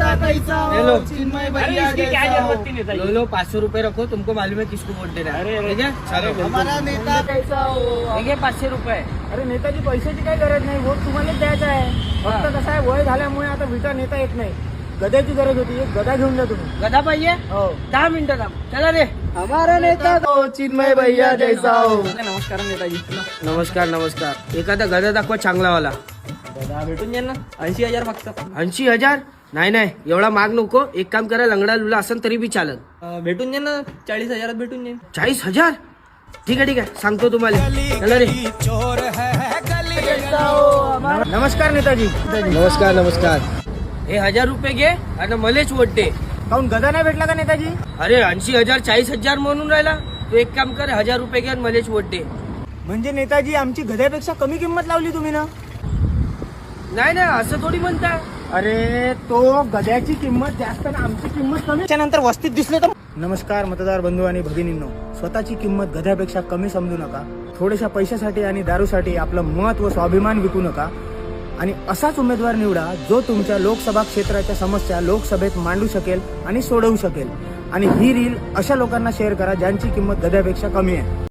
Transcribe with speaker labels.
Speaker 1: नेता कैसा हो,
Speaker 2: लो।
Speaker 1: चिन्मय
Speaker 3: अरे
Speaker 1: भैया
Speaker 3: इसकी क्या
Speaker 1: जैसा हो।
Speaker 3: जरूरत थी नेताजी?
Speaker 2: लो 500 रुपए रखो, तुमको मालूम है किसको वोट देना है।
Speaker 3: अरे,
Speaker 2: ठीक है, चलो
Speaker 1: हमारा नेता कैसा हो।
Speaker 2: ठीक है, 500 रुपये.
Speaker 4: अरे नेताजी पैशाची काही गरज नाही, वोट तुम्हालाच द्यायचा आहे. फक्त कसं आहे, वय झाल्यामुळे आता विटा नेता येत नाही. गद्याची गरज होती, एक गदा घेऊन जा तुम्ही.
Speaker 2: गदा पाहिजे.
Speaker 4: हो
Speaker 2: 10 मिनिटं थांब. चला रे.
Speaker 1: हमारा नेता हो, चिन्मय भैया जैसा हो.
Speaker 3: नमस्कार नेताजी.
Speaker 2: नमस्कार नमस्कार. एखादा गदा दाखवा चांगलावाला.
Speaker 3: दादा भेटून जाईल ना, 80,000 मागतात.
Speaker 2: 80,000. नाही नाही, एवढा माग नको. एक काम करा, लंगडा लुला असेल तरी बी चालत.
Speaker 3: भेटून जाईल ना, 40,000 भेटून जाईल.
Speaker 2: 40,000. ठीक आहे ठीक आहे, सांगतो तुम्हाला. चला रे.
Speaker 4: नमस्कार नेताजी.
Speaker 2: नमस्कार नमस्कार. हे 1000 रुपये घे आणि मलेच वोट दे.
Speaker 4: काहून गदा नाही भेटला का नेताजी?
Speaker 2: अरे 80,000 40,000 म्हणून राहिला. तू एक काम कर, 1000 रुपये घे आणि मलेच वोट दे.
Speaker 4: म्हणजे नेताजी आमची गद्यापेक्षा कमी किंमत लावली तुम्ही ना.
Speaker 2: नाही नाही, असं थोडी म्हणता.
Speaker 4: अरे तो गद्याची किंमत जास्त ना आमची किंमत कमी. त्याच्यानंतर वस्तीत दिसले तर. नमस्कार मतदार बंधू आणि भगिनींनो, स्वतःची किंमत गद्यापेक्षा कमी समजू नका. थोड्याशा पैशासाठी आणि दारूसाठी आपलं मत व स्वाभिमान विकू नका आणि असाच उमेदवार निवडा जो तुमच्या लोकसभा क्षेत्राच्या समस्या लोकसभेत मांडू शकेल आणि सोडवू शकेल. आणि ही रील अशा लोकांना शेअर करा ज्यांची किंमत गद्यापेक्षा कमी आहे.